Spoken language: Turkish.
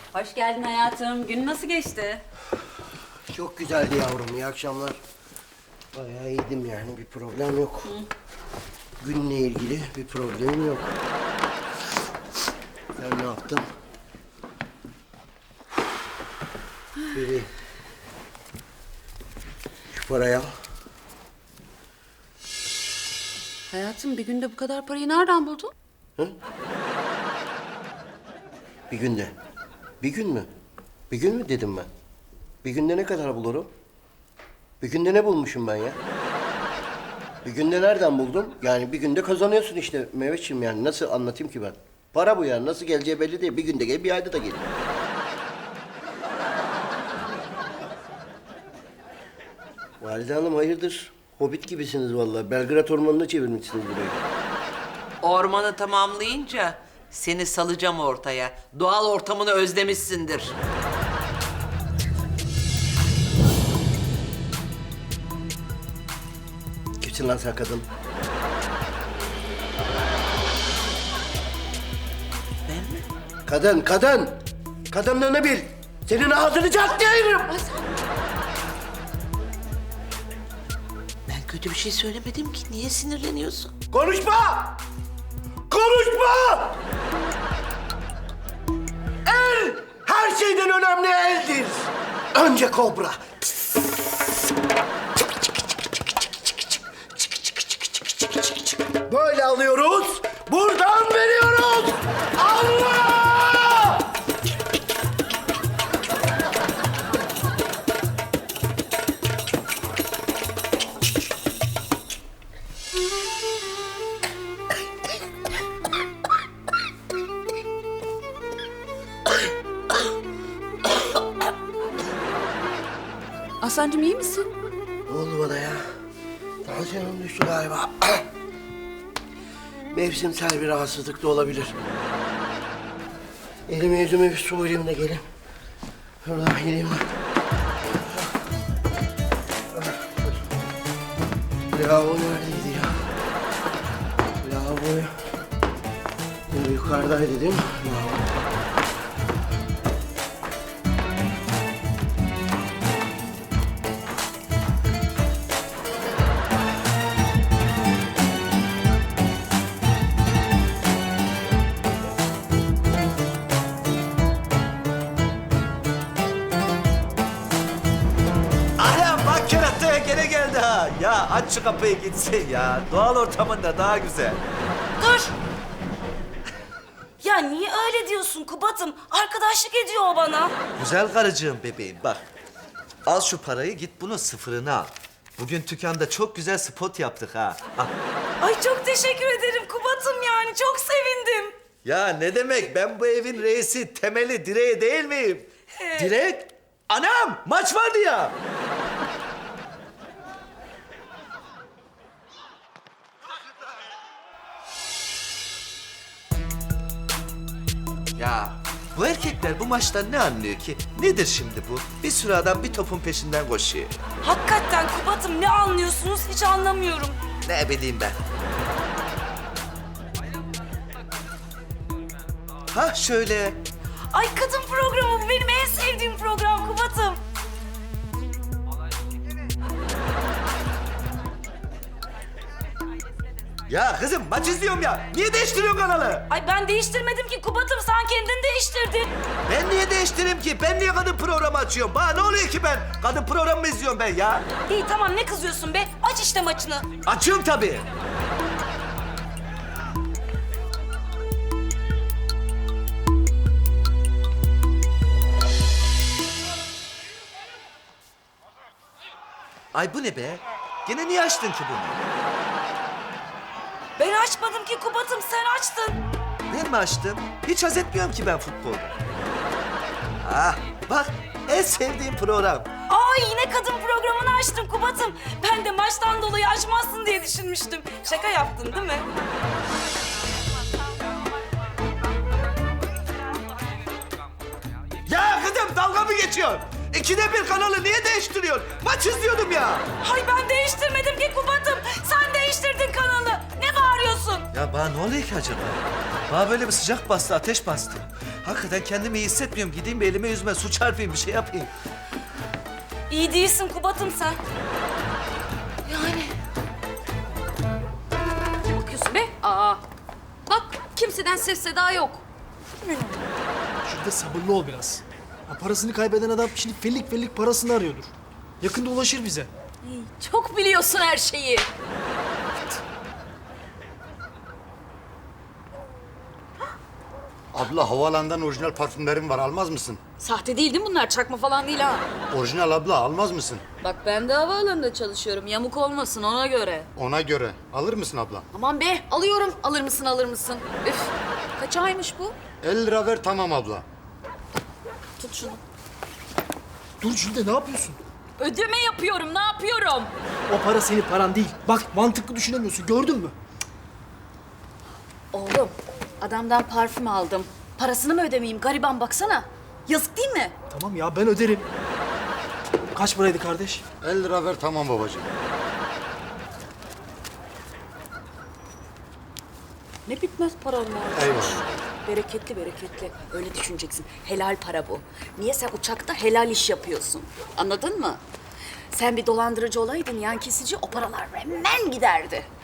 Hoş geldin hayatım. Gün nasıl geçti? Çok güzeldi yavrum. İyi akşamlar. Bayağı iyiydim yani. Bir problem yok. Günle ilgili bir problemim yok. Sen ne yaptın? Bebeğim. Şu parayı al. Hayatım bir günde bu kadar parayı nereden buldun? Bir günde. Bir gün mü? Bir gün mü dedim ben? Bir günde ne kadar bulurum? Bir günde ne bulmuşum ben ya? Bir günde nereden buldum? Yani bir günde kazanıyorsun işte Mehmetciğim yani. Nasıl anlatayım ki ben? Para bu yani. Nasıl geleceği belli değil. Bir günde gel, bir ayda da gelir. Valide Hanım hayırdır? Hobbit gibisiniz vallahi. Belgrad Ormanı'na çevirmişsiniz burayı. Ormanı tamamlayınca seni salacağım ortaya. Doğal ortamını özlemişsindir. Kimsin lan sen kadın? Ben mi? Kadın, kadın! Kadınlığını bil! Senin ağzını cart diye ayırırım! Ben kötü bir şey söylemedim ki. Niye sinirleniyorsun? Konuşma! Konuşma! El her şeyden önemli eldir. Önce kobra. Böyle alıyoruz, buradan veriyoruz. Allah! Aslancığım iyi misin? Ne oldu bana ya? Tansiyonum düştü galiba. Mevsimsel bir rahatsızlık da olabilir. Elime yüzüme bir su vereyim de gelin. Şuradan geleyim ben. Lavabo neredeydi ya? Lavabo yukarıdaydı değil mi? Lavabo. Anam bak kerataya gene geldi ha. Ya aç şu kapıyı gitsin ya. Doğal ortamında daha güzel. Dur! Ya niye öyle diyorsun Kubat'ım? Arkadaşlık ediyor o bana. Güzel karıcığım bebeğim bak. Al şu parayı git bunun sıfırını al. Bugün dükkanda çok güzel spot yaptık ha. Al. Ay çok teşekkür ederim Kubat'ım yani. Çok sevindim. Ya ne demek ben bu evin reisi, temeli, direği değil miyim? Direk? Anam maç vardı ya. Ya bu erkekler bu maçtan ne anlıyor ki? Nedir şimdi bu? Bir sürü adam bir topun peşinden koşuyor. Hakikaten Kubat'ım ne anlıyorsunuz hiç anlamıyorum. Ne bileyim ben. Ha şöyle. Ay kadın programı bu benim en sevdiğim program Kubat'ım. Ya kızım maç izliyorum ya. Niye değiştiriyorsun kanalı? Ay ben değiştirmedim ki Kubat'ım sen kendin değiştirdin. Ben niye değiştireyim ki? Ben niye kadın programı açıyorum? Bana ne oluyor ki ben? Kadın programı mı izliyorum ben ya? İyi tamam ne kızıyorsun be? Aç işte maçını. Açıyorum tabii. Ay bu ne be? Gene niye açtın ki bunu? Ben açmadım ki Kubat'ım sen açtın. Ben mi açtım? Hiç haz etmiyorum ki ben futbolda. Ah bak en sevdiğim program. Ay yine kadın programını açtım Kubat'ım. Ben de maçtan dolayı açmazsın diye düşünmüştüm. Şaka yaptın değil mi? Ya kızım dalga mı geçiyorsun? İkide bir kanalı niye değiştiriyorsun? Maç izliyordum ya. Ay ben değiştirmedim ki Kubat'ım. Sen değiştirdin kanalı. Ne bağırıyorsun? Ya bana ne oluyor ki acaba? Bana böyle bir sıcak bastı, ateş bastı. Hakikaten kendimi iyi hissetmiyorum. Gideyim bir elime yüzüme su çarpayım, bir şey yapayım. İyi değilsin Kubat'ım sen. Yani. Ne bakıyorsun be? Aa. Bak kimseden ses seda yok. Şurada sabırlı ol biraz. Ya parasını kaybeden adam şimdi fellik fellik parasını arıyordur. Yakında ulaşır bize. Çok biliyorsun her şeyi. Abla havaalanından orijinal parfümlerim var, almaz mısın? Sahte değil değil mi bunlar? Çakma falan değil ha. Orijinal abla, almaz mısın? Bak ben de havaalanında çalışıyorum. Yamuk olmasın ona göre. Ona göre. Alır mısın abla? Aman be alıyorum. Alır mısın alır mısın? Üf. Kaç aymış bu? 50 lira ver, tamam abla. Tut şunu. Dur Jülde, ne yapıyorsun? Ödeme yapıyorum ne yapıyorum? O para senin paran değil. Bak mantıklı düşünemiyorsun, gördün mü? Oğlum adamdan parfüm aldım. Parasını mı ödemeyeyim? Gariban baksana. Yazık değil mi? Tamam ya, ben öderim. Kaç paraydı kardeş? 50 lira ver, tamam babacığım. Ne bitmez param var. Eyvallah. Bereketli bereketli. Öyle düşüneceksin. Helal para bu. Niye sen uçakta helal iş yapıyorsun? Anladın mı? Sen bir dolandırıcı olaydın, yan kesici, o paralar hemen giderdi.